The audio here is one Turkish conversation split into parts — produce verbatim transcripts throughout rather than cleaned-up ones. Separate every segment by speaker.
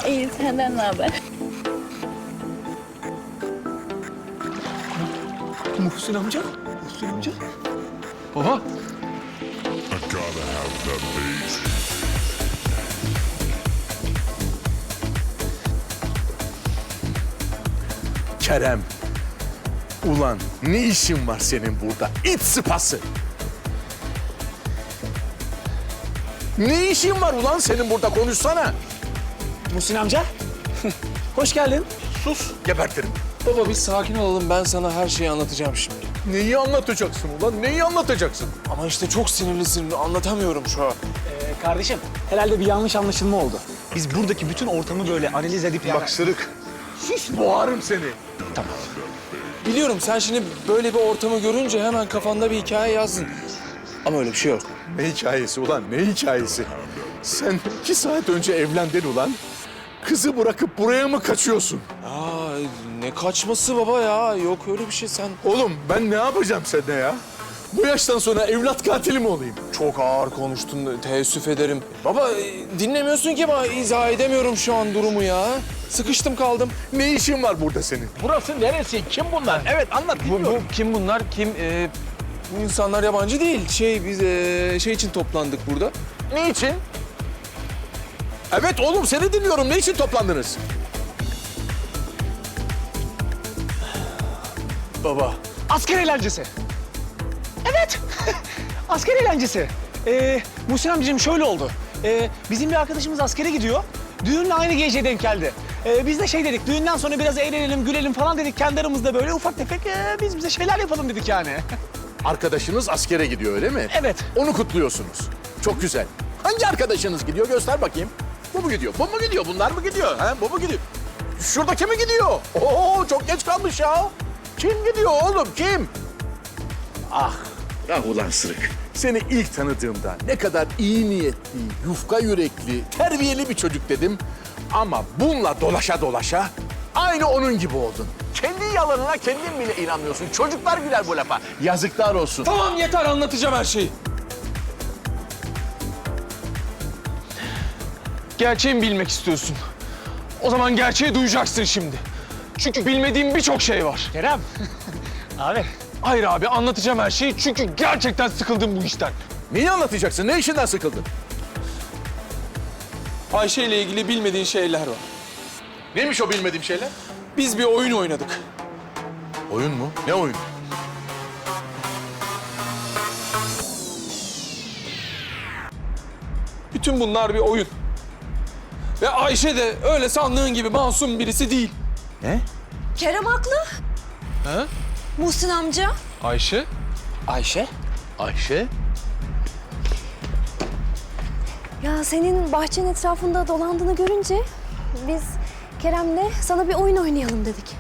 Speaker 1: İyi, senden ne haber?
Speaker 2: Muhsin amca, Muhsin amca. Baba.
Speaker 3: I gotta have that bass.
Speaker 4: Kerem. Ulan ne işin var senin burada? İt sıpası. Ne işin var ulan senin burada? Konuşsana.
Speaker 2: Muhsin amca. Hoş geldin.
Speaker 4: Sus, gebertirim.
Speaker 5: Baba bir sakin olalım, ben sana her şeyi anlatacağım şimdi.
Speaker 4: Neyi anlatacaksın ulan? Neyi anlatacaksın?
Speaker 5: Ama işte çok sinirlisin, anlatamıyorum şu an.
Speaker 2: Ee, kardeşim, herhalde bir yanlış anlaşılma oldu. Biz buradaki bütün ortamı böyle analiz edip yani...
Speaker 4: Bak Sırık. Sus, boğarım seni.
Speaker 5: Biliyorum sen şimdi böyle bir ortamı görünce hemen kafanda bir hikaye yazdın. Ama öyle bir şey yok.
Speaker 4: Ne hikayesi ulan? Ne hikayesi? Sen iki saat önce evlendin ulan. Kızı bırakıp buraya mı kaçıyorsun?
Speaker 5: Aa, ne kaçması baba ya, yok öyle bir şey sen.
Speaker 4: Oğlum ben ne yapacağım seninle ya? Bu yaştan sonra evlat katili mi olayım?
Speaker 5: Çok ağır konuştun, teessüf ederim. Baba e, dinlemiyorsun ki ama izah edemiyorum şu an durumu ya. Sıkıştım kaldım.
Speaker 4: Ne işin var burada senin?
Speaker 6: Burası neresi? Kim bunlar? Evet anlat
Speaker 5: Bu, bu kim bunlar? Kim? Ee, bu insanlar yabancı değil. Şey biz ee, şey için toplandık burada.
Speaker 4: Ne için? Evet oğlum seni dinliyorum. Ne için toplandınız?
Speaker 5: Baba.
Speaker 2: Asker eğlencesi. Evet, asker eğlencesi. Ee, Muhsin amcacığım şöyle oldu. Ee, bizim bir arkadaşımız askere gidiyor. Düğünle aynı gece denk geldi. Ee, biz de şey dedik, düğünden sonra biraz eğlenelim, gülelim falan dedik. Kendi aramızda böyle ufak tefek ee, biz bize şeyler yapalım dedik yani.
Speaker 4: Arkadaşınız askere gidiyor öyle mi?
Speaker 2: Evet.
Speaker 4: Onu kutluyorsunuz. Çok güzel. Hangi arkadaşınız gidiyor? Göster bakayım. Bu mu gidiyor? Bu mu gidiyor? Bunlar mı gidiyor? Ha? Bu mu gidiyor? Şuradaki mi gidiyor? Oo çok geç kalmış ya. Kim gidiyor oğlum? Kim? Ah. Ah ulan Sırık. Seni ilk tanıdığımda ne kadar iyi niyetli, yufka yürekli, terbiyeli bir çocuk dedim. Ama bununla dolaşa dolaşa aynı onun gibi oldun. Kendi yalanına kendin bile inanmıyorsun. Çocuklar güler bu lafa. Yazıklar olsun.
Speaker 5: Tamam yeter, anlatacağım her şeyi. Gerçeği mi bilmek istiyorsun? O zaman gerçeği duyacaksın şimdi. Çünkü bilmediğim birçok şey var.
Speaker 2: Kerem, abi.
Speaker 5: Hayır abi, anlatacağım her şeyi çünkü gerçekten sıkıldım bu işten.
Speaker 4: Neyi anlatacaksın? Ne işinden sıkıldın?
Speaker 5: Ayşe ile ilgili bilmediğin şeyler var.
Speaker 4: Neymiş o bilmediğim şeyler?
Speaker 5: Biz bir oyun oynadık.
Speaker 4: Oyun mu? Ne oyun?
Speaker 5: Bütün bunlar bir oyun. Ve Ayşe de öyle sandığın gibi masum birisi değil.
Speaker 4: Ne?
Speaker 1: Kerem haklı.
Speaker 5: Ha?
Speaker 1: Muhsin amca.
Speaker 5: Ayşe?
Speaker 2: Ayşe.
Speaker 4: Ayşe?
Speaker 1: Ya senin bahçenin etrafında dolandığını görünce biz Kerem'le sana bir oyun oynayalım dedik.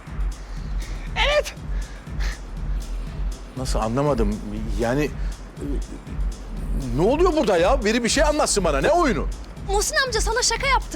Speaker 4: Nasıl anlamadım? Yani e, ne oluyor burada ya? Biri bir şey anlatsın bana. Ne oyunu?
Speaker 1: Muhsin amca sana şaka yaptık.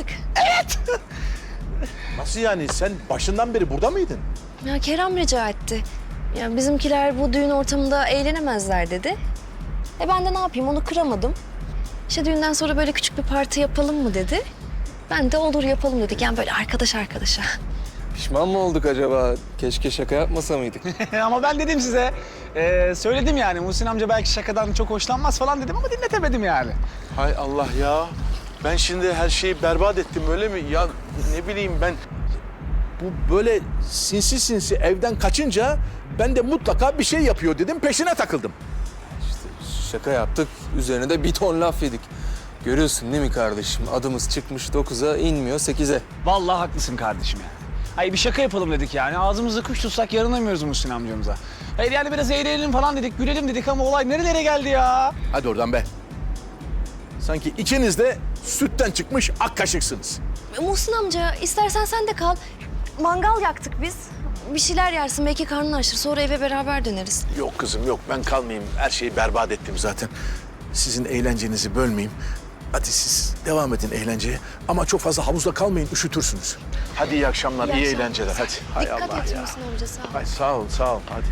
Speaker 4: Nasıl yani? Sen başından beri burada mıydın?
Speaker 1: Ya Kerem rica etti. Ya bizimkiler bu düğün ortamında eğlenemezler dedi. E ben de ne yapayım onu kıramadım. İşte düğünden sonra böyle küçük bir parti yapalım mı dedi. Ben de olur yapalım dedik. Yani böyle arkadaş arkadaşa.
Speaker 5: Pişman mı olduk acaba? Keşke şaka yapmasa mıydık?
Speaker 2: Ama ben dedim size, ee, söyledim yani Muhsin amca belki şakadan çok hoşlanmaz falan dedim ama dinletemedim yani.
Speaker 4: Hay Allah ya. Ben şimdi her şeyi berbat ettim öyle mi? Ya ne bileyim ben... Bu böyle sinsi sinsi evden kaçınca ben de mutlaka bir şey yapıyor dedim. Peşine takıldım.
Speaker 5: Şaka yaptık, üzerine de bir ton laf yedik. Görüyorsun değil mi kardeşim? Adımız çıkmış dokuza, inmiyor sekize.
Speaker 2: Vallahi haklısın kardeşim ya. Hayır bir şaka yapalım dedik yani. Ağzımızda kuş tutsak yarınamıyoruz Muhsin amcamıza. Hayır yani biraz eğlenelim falan dedik, gülelim dedik ama olay nerelere geldi ya?
Speaker 4: Hadi oradan be. Sanki ikiniz de sütten çıkmış ak kaşıksınız.
Speaker 1: Muhsin amca istersen sen de kal. Mangal yaktık biz. Bir şeyler yersin belki karnın açır. Sonra eve beraber döneriz.
Speaker 4: Yok kızım yok ben kalmayayım. Her şeyi berbat ettim zaten. Sizin eğlencenizi bölmeyeyim. Hadi siz devam edin eğlenceye. Ama çok fazla havuzda kalmayın, üşütürsünüz. Hadi iyi akşamlar, iyi,
Speaker 1: İyi akşamlar.
Speaker 4: eğlenceler. Hadi. Hay
Speaker 1: Dikkat
Speaker 4: Allah
Speaker 1: et
Speaker 4: ya.
Speaker 1: Muhsin amca sağ ol.
Speaker 4: Hay sağ ol, sağ ol. Hadi.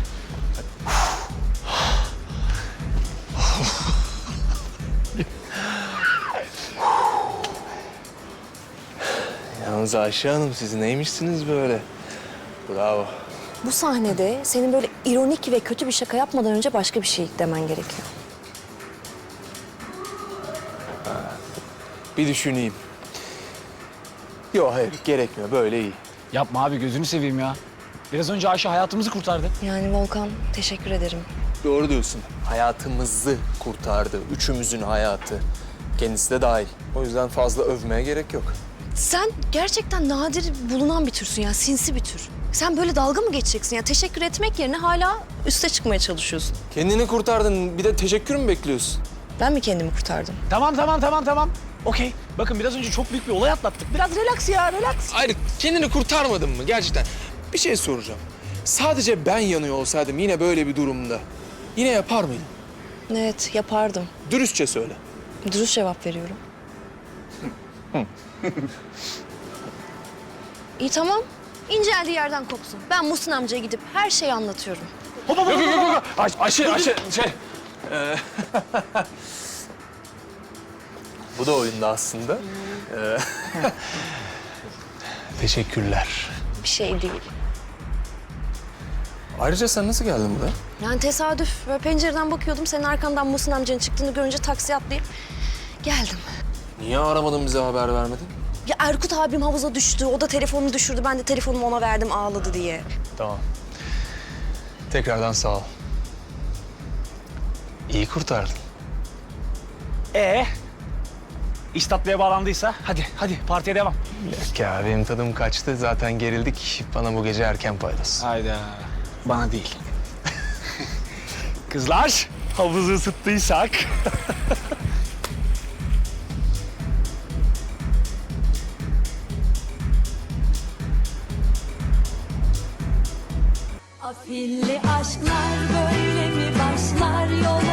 Speaker 5: Yalnız Ayşe Hanım siz neymişsiniz böyle? Bravo.
Speaker 1: Bu sahnede senin böyle ironik ve kötü bir şaka yapmadan önce başka bir şey demen gerekiyor.
Speaker 5: Bir düşüneyim. Yok hayır gerekmiyor böyle iyi.
Speaker 2: Yapma abi gözünü seveyim ya. Biraz önce Ayşe hayatımızı kurtardı.
Speaker 1: Yani Volkan, teşekkür ederim.
Speaker 5: Doğru diyorsun. Hayatımızı kurtardı. Üçümüzün hayatı. Kendisi de dahil. O yüzden fazla övmeye gerek yok.
Speaker 1: Sen gerçekten nadir bulunan bir türsün ya, sinsi bir tür. Sen böyle dalga mı geçeceksin ya? Teşekkür etmek yerine hala üste çıkmaya çalışıyorsun.
Speaker 5: Kendini kurtardın. Bir de teşekkür mü bekliyorsun?
Speaker 1: Ben mi kendimi kurtardım?
Speaker 2: Tamam tamam tamam tamam. Okey. Bakın biraz önce çok büyük bir olay atlattık. Biraz relax ya relax.
Speaker 5: Hayır, kendini kurtarmadın mı gerçekten? Bir şey soracağım. Sadece ben yanıyor olsaydım yine böyle bir durumda yine yapar mıydın?
Speaker 1: Evet, yapardım.
Speaker 5: Dürüstçe söyle.
Speaker 1: Dürüst cevap veriyorum. İyi tamam. İnceldiği yerden kopsun. Ben Muhsin amcaya gidip her şeyi anlatıyorum.
Speaker 2: Hop hop hop hop, hop.
Speaker 5: Ay, Ayşe, Ayşe, şey... e, Bu da oyunda aslında. E,
Speaker 2: Teşekkürler.
Speaker 1: Bir şey değil.
Speaker 5: Ayrıca sen nasıl geldin buraya?
Speaker 1: Yani tesadüf. Böyle pencereden bakıyordum. Senin arkandan Muhsin amcanın çıktığını görünce taksiye atlayıp geldim.
Speaker 5: Niye aramadın bize haber vermedin?
Speaker 1: Ya Erkut abim havuza düştü. O da telefonunu düşürdü. Ben de telefonumu ona verdim ağladı diye.
Speaker 2: Tamam. Tekrardan sağ ol. İyi kurtardın. Ee? İş tatlıya bağlandıysa hadi hadi partiye devam.
Speaker 7: Yok ya benim tadım kaçtı. Zaten gerildik. Bana bu gece erken paydos.
Speaker 2: Hayda. Bana değil. Kızlar havuzu ısıttıysak.
Speaker 8: Afilli aşklar böyle mi başlar yol